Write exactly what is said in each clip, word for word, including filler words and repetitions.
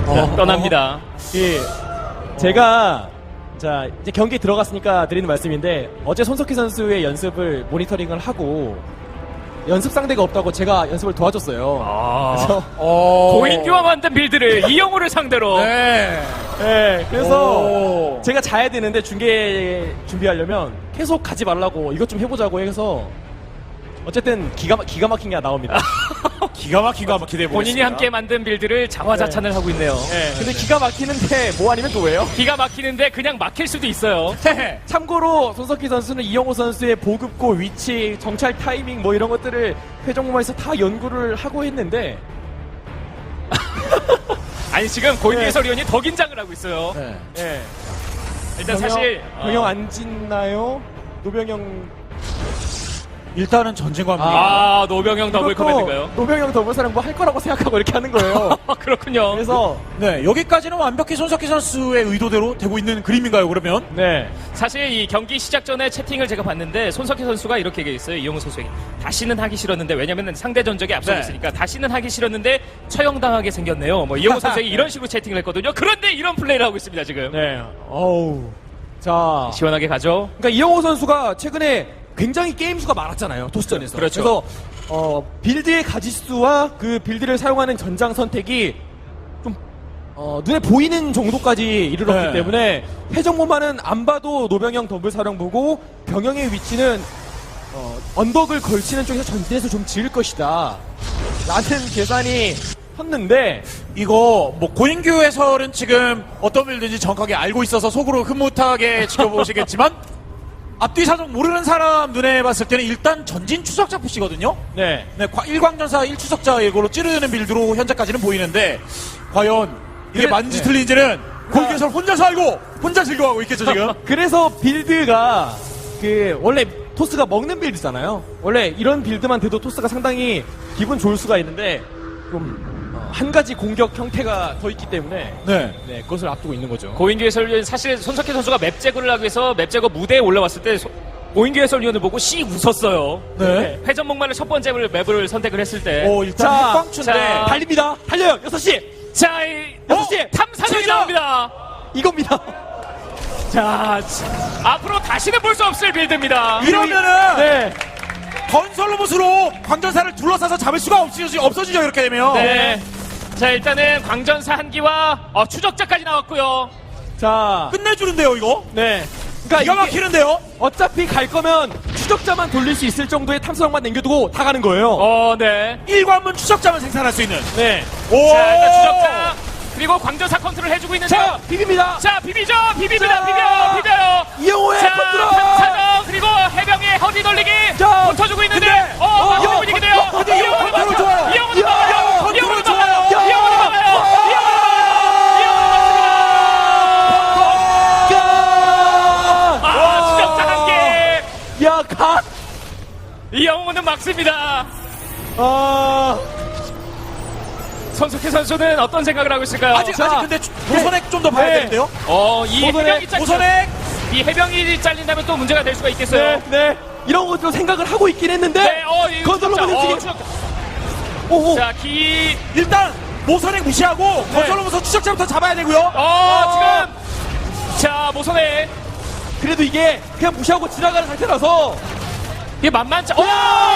어, 떠납니다. 예, 제가 자 이제 경기 들어갔으니까 드리는 말씀인데 어제 손석희 선수의 연습을 모니터링을 하고 연습 상대가 없다고 제가 연습을 도와줬어요. 아, 그래서 어... 고인규와 만든 빌드를 이영호를 상대로. 네. 네, 그래서 오. 제가 자야 되는데 중계 준비하려면 계속 가지 말라고 이것 좀 해보자고 해서 어쨌든 기가 막- 기가 막힌 게 나옵니다. 기가 막히가 한번 기대해 보겠습니다. 본인이 함께 만든 빌드를 자화자찬을 하고 있네요. 네, 근데 기가 막히는데 뭐 아니면 또 왜요? 기가 막히는데 그냥 막힐 수도 있어요. 참고로 손석희 선수는 이영호 선수의 보급고 위치, 정찰 타이밍 뭐 이런 것들을 회전목마에서 다 연구를 하고 했는데 아니 지금 고인규 네. 해설위원이 더 긴장을 하고 있어요. 네. 예. 일단 병영, 사실 병영 어, 안 짓나요? 노병영 일단은 전쟁과 함께 아 노병영 더블 이것도 커맨드인가요? 노병영 더블 사랑 뭐 할 거라고 생각하고 이렇게 하는 거예요. 그렇군요. 그래서 네, 여기까지는 완벽히 손석희 선수의 의도대로 되고 있는 그림인가요, 그러면? 네. 사실 이 경기 시작 전에 채팅을 제가 봤는데 손석희 선수가 이렇게 얘기했어요. 이영호 선수에게 다시는 하기 싫었는데 왜냐면 상대 전적에 앞서고 네. 있으니까 다시는 하기 싫었는데 처형당하게 생겼네요. 뭐 이영호 선수에게 이런 식으로 채팅을 했거든요. 그런데 이런 플레이를 하고 있습니다 지금. 네. 어우. 자. 시원하게 가죠. 그러니까 이영호 선수가 최근에 굉장히 게임 수가 많았잖아요. 토스전에서. 그렇죠. 그래서 어, 빌드의 가지수와 그 빌드를 사용하는 전장 선택이 좀 어, 눈에 보이는 정도까지 이르렀기 네. 때문에 회전목마는 안 봐도 노병영 더블 사령 보고 병영의 위치는 어, 언덕을 걸치는 쪽에서 전진해서 좀 지을 것이다 라는 계산이 섰는데 이거 뭐 고인규 해설은 지금 어떤 빌드인지 정확하게 알고 있어서 속으로 흐뭇하게 지켜보시겠지만 앞뒤 사정 모르는 사람 눈에 봤을 때는 일단 전진 추적자 푸시거든요. 네. 네, 과- 일광전사 일 추적자 이거로 찌르는 빌드로 현재까지는 보이는데 과연 이게 그래- 맞는지 네. 틀린지는 고인규 해설 혼자서 알고 혼자 즐거워하고 있겠죠 지금. 그래서 빌드가 그 원래 토스가 먹는 빌드잖아요. 원래 이런 빌드만 돼도 토스가 상당히 기분 좋을 수가 있는데 좀 한 가지 공격 형태가 더 있기 때문에 네. 네, 그것을 앞두고 있는 거죠. 고인규 해설위원 사실 손석희 선수가 맵 제거를 하기 위해서 맵 제거 무대에 올라왔을 때 소- 고인규 해설위원을 보고 씩 웃었어요. 네. 회전목마를 첫 번째 맵을 선택을 했을 때. 오 일단 자, 핵광추인데 자. 달립니다. 달려요. 여섯 시 자, 이 여섯 시 탐사정이 시작! 나옵니다. 이겁니다. 자, 자, 앞으로 다시는 볼 수 없을 빌드입니다. 이러면은 네. 건설 로봇으로 광전사를 둘러싸서 잡을 수가 없어지죠, 없어지죠 이렇게 되면. 네. 자, 일단은 광전사 한기와 어, 추적자까지 나왔고요. 자. 끝내주는데요 이거. 네. 그러니까 기가 이게 막히는데요. 어차피 갈 거면 추적자만 돌릴 수 있을 정도의 탐사정만 남겨두고 다 가는 거예요. 어, 네. 일관문 추적자만 생산할 수 있는. 네. 오. 자, 일단 추적자 그리고 광전사 컨트롤 해주고 있는데요. 자, 비빕니다. 자, 비비죠, 비비입니다, 자. 비벼요, 비벼요. 이영호의 자, 컨트롤. 탐사정 그리고 해병의 허리 돌리기 자, 붙어주고 있는데, 근데, 어, 어, 맞는 어, 분위기네요. 어, 근데 이영호 컨트롤 좋아요. 이영호는 야, 막아요. 이영호는 컨트롤 막아요. 좋아요. 이영호는 막아요. 이영호는 막습니다. 아, 추적자 한 개. 야, 가. 이영호는 막습니다. 아. 손석희 선수는 어떤 생각을 하고 있을까요? 아직 자, 아직 근데 보선액 좀 더 봐야 네. 되는데요. 어, 이 보선액, 해병이 잘리 보선액. 이 해병이 잘린다면 또 문제가 될 수가 있겠어요. 네, 네. 이런 것도 생각을 하고 있긴 했는데. 네, 어, 이 건설로 추적자, 어, 보내지. 추적자. 오, 오. 자, 기, 일단 모선액 무시하고 네. 건설 로봇 추적자부터 잡아야 되고요. 어, 지금, 자, 모선에, 그래도 이게 그냥 무시하고 지나가는 상태라서. 이게 만만치, 어!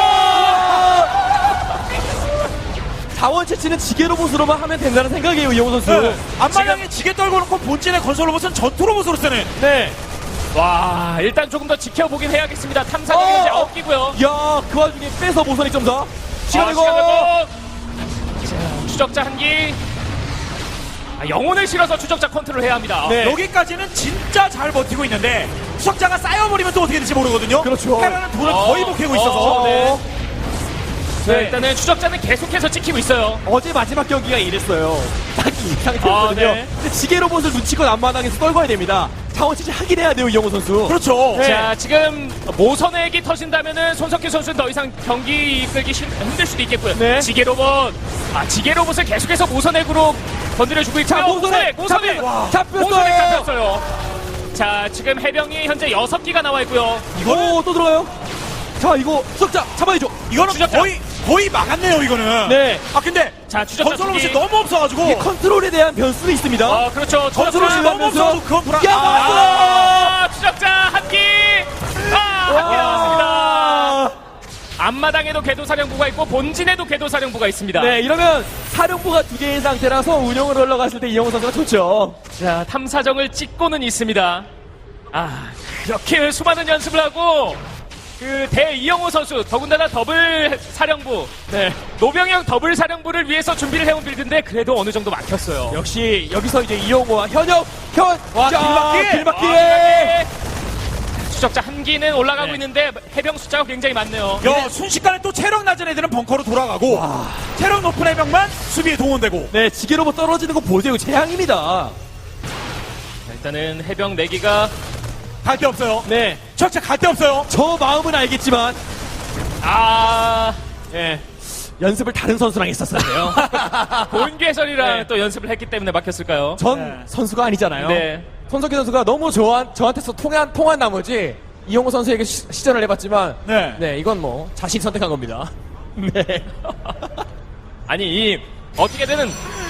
자원 채취는 지게 로봇으로만 하면 된다는 생각이에요, 이영호 선수. 네. 앞마당에 지게 떨고 놓고 본진의 건설 로봇은 전투 로봇으로 쓰는. 네. 와, 일단 조금 더 지켜보긴 해야겠습니다. 탐사정이 어! 이제 엇기고요. 야, 그 와중에 빼서 모선이 좀 더. 시간 아, 내고. 시간 내고. 자, 추적자 한 기. 아, 영혼을 실어서 추적자 컨트롤 해야 합니다. 네. 여기까지는 진짜 잘 버티고 있는데 추적자가 쌓여버리면 또 어떻게 될지 모르거든요. 그렇죠. 테라는 돈을 어, 거의 못 캐고 있어서. 어, 네. 자, 네. 일단은 추적자는 계속해서 찍히고 있어요. 어제 마지막 경기가 이랬어요. 딱 이 상태였거든요. 아, 네. 근데 지게 로봇을 눈치껏 앞마당에서 떨궈야 됩니다. 자원 채취 하긴 해야 돼요, 이영호 선수. 그렇죠. 네. 자, 지금 모선액이 터진다면은 손석희 선수는 더 이상 경기 이끌기 힘- 힘들 수도 있겠고요. 네. 지게 로봇. 아, 지게 로봇을 계속해서 모선액으로 건드려주고 있고요. 자, 모선액! 모선액! 잡혔- 잡혔어요! 모선액 잡혔어요. 자, 지금 해병이 현재 여섯 기가 나와 있고요. 오, 또 들어가요. 자, 이거 수석자 잡아야죠. 이거는 추적자. 거의 거의 막았네요 이거는. 네. 아 근데 자, 추적자 건설 로봇이 투기. 너무 없어가지고 이 컨트롤에 대한 변수도 있습니다. 어, 그렇죠. 건설 추적자, 로봇이 너무 없어가지고 그건 불안. 야, 아, 추적자 한 끼! 아, 한 끼 나왔습니다. 와. 앞마당에도 궤도사령부가 있고 본진에도 궤도사령부가 있습니다. 네, 이러면 사령부가 두 개의 상태라서 운영을 올라갔을 때 이영호 선수가 좋죠. 자, 탐사정을 찍고는 있습니다. 아, 그렇게 수많은 연습을 하고 그 대 이영호 선수 더군다나 더블 사령부, 네, 노병영 더블 사령부를 위해서 준비를 해온 빌드인데 그래도 어느 정도 막혔어요. 역시 여기서 이제 이영호와 현역, 현, 와, 자, 길막기! 길막기! 아, 추적자 한 기는 올라가고 네. 있는데 해병 숫자가 굉장히 많네요. 야, 순식간에 또 체력 낮은 애들은 벙커로 돌아가고 체력 높은 해병만 수비에 동원되고. 네, 지게로봇 떨어지는 거 보세요. 재앙입니다. 자, 일단은 해병 네 기가 갈 데 없어요. 네, 철제 갈 데 없어요. 저 마음은 알겠지만, 아, 예, 연습을 다른 선수랑 했었어요. 고인규 해설이랑 네. 또 연습을 했기 때문에 막혔을까요? 전 네. 선수가 아니잖아요. 네. 손석희 선수가 너무 저한, 저한테서 통한, 통한 나머지 이영호 선수에게 시, 시전을 해봤지만, 네. 네, 이건 뭐 자신이 선택한 겁니다. 네. 아니, 이 어떻게든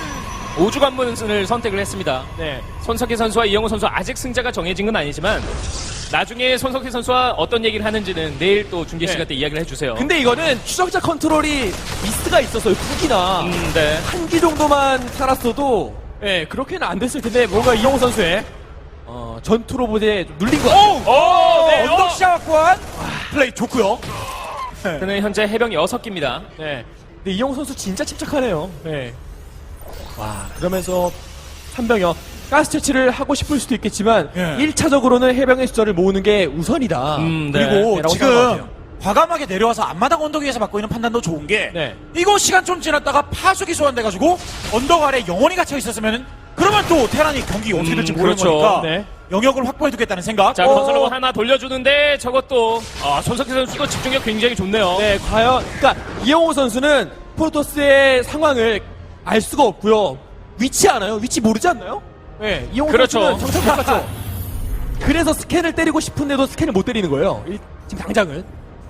오주관문을 선택을 했습니다. 네. 손석희 선수와 이영호 선수 아직 승자가 정해진 건 아니지만 나중에 손석희 선수와 어떤 얘기를 하는지는 내일 또 중계 시간 네. 때 이야기를 해주세요. 근데 이거는 추적자 컨트롤이 미스가 있었어요. 훅이나 음, 네. 한 기 정도만 살았어도, 예, 그렇게는 안 됐을 텐데 뭔가 이영호 선수의 어, 전투 로봇에 좀 눌린 것 같아요. 오, 네. 언덕 어. 시작한 플레이 좋고요. 그는 현재 해병 여섯 기입니다. 네. 근데 이영호 선수 진짜 침착하네요. 네. 와, 그러면서 삼병여 가스 채취를 하고 싶을 수도 있겠지만 예. 일 차적으로는 해병의 숫자를 모으는 게 우선이다. 음, 네. 그리고 라고 생각하는 것 지금 같아요. 과감하게 내려와서 앞마당 언덕 위에서 받고 있는 판단도 좋은 게 네. 이거 시간 좀 지났다가 파수기 소환돼가지고 언덕 아래 영원히 갇혀 있었으면 그러면 또 테란이 경기 어떻게 될지 음, 모르는 그렇죠. 거니까 네. 영역을 확보해두겠다는 생각. 자, 어, 건설로봇 하나 돌려주는데 저것도 아, 손석희 선수도 집중력 굉장히 좋네요. 네, 과연 그러니까 이영호 선수는 프로토스의 상황을 알 수가 없고요. 위치 아나요? 위치 모르지 않나요? 네, 이영호 그렇죠. 선수는 정찰 못 갔죠. 그래서 스캔을 때리고 싶은데도 스캔을 못 때리는 거예요. 이- 지금 당장은.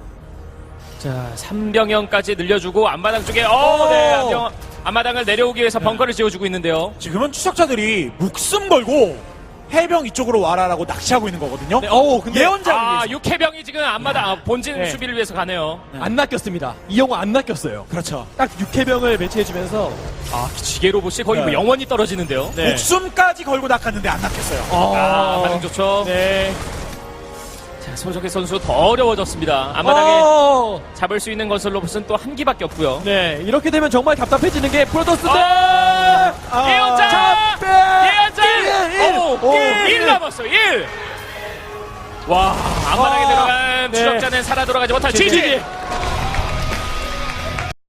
자, 삼병영까지 늘려주고 앞마당 쪽에 어, 네, 앞병, 앞마당을 내려오기 위해서 벙커를 지어주고 있는데요. 지금은 추적자들이 목숨 걸고 해병 이쪽으로 와라라고 낚시하고 있는 거거든요. 네, 어우, 근데 예언자. 아, 육해병이 지금 앞마당 아, 본진 네. 수비를 위해서 가네요. 안 낚였습니다. 이영호 안 낚였어요. 그렇죠. 딱 육해병을 배치해주면서 아, 지게 로봇이 거의 네. 뭐 영원히 떨어지는데요. 네. 목숨까지 걸고 낚았는데 안 낚였어요. 아, 반응 좋죠. 네. 자, 손석희 선수 더 어려워졌습니다. 앞마당에 어, 잡을 수 있는 건설 로봇은 또 한 기밖에 없고요. 네, 이렇게 되면 정말 답답해지는 게 프로토스인데. 아, 예언자! 잡배! 예언자! 일, 일. 오, 오, 일, 일 남았어요. 일. 와, 앞마당에 아, 들어간 네. 추적자는 살아 돌아가지 못할 지지. 지지.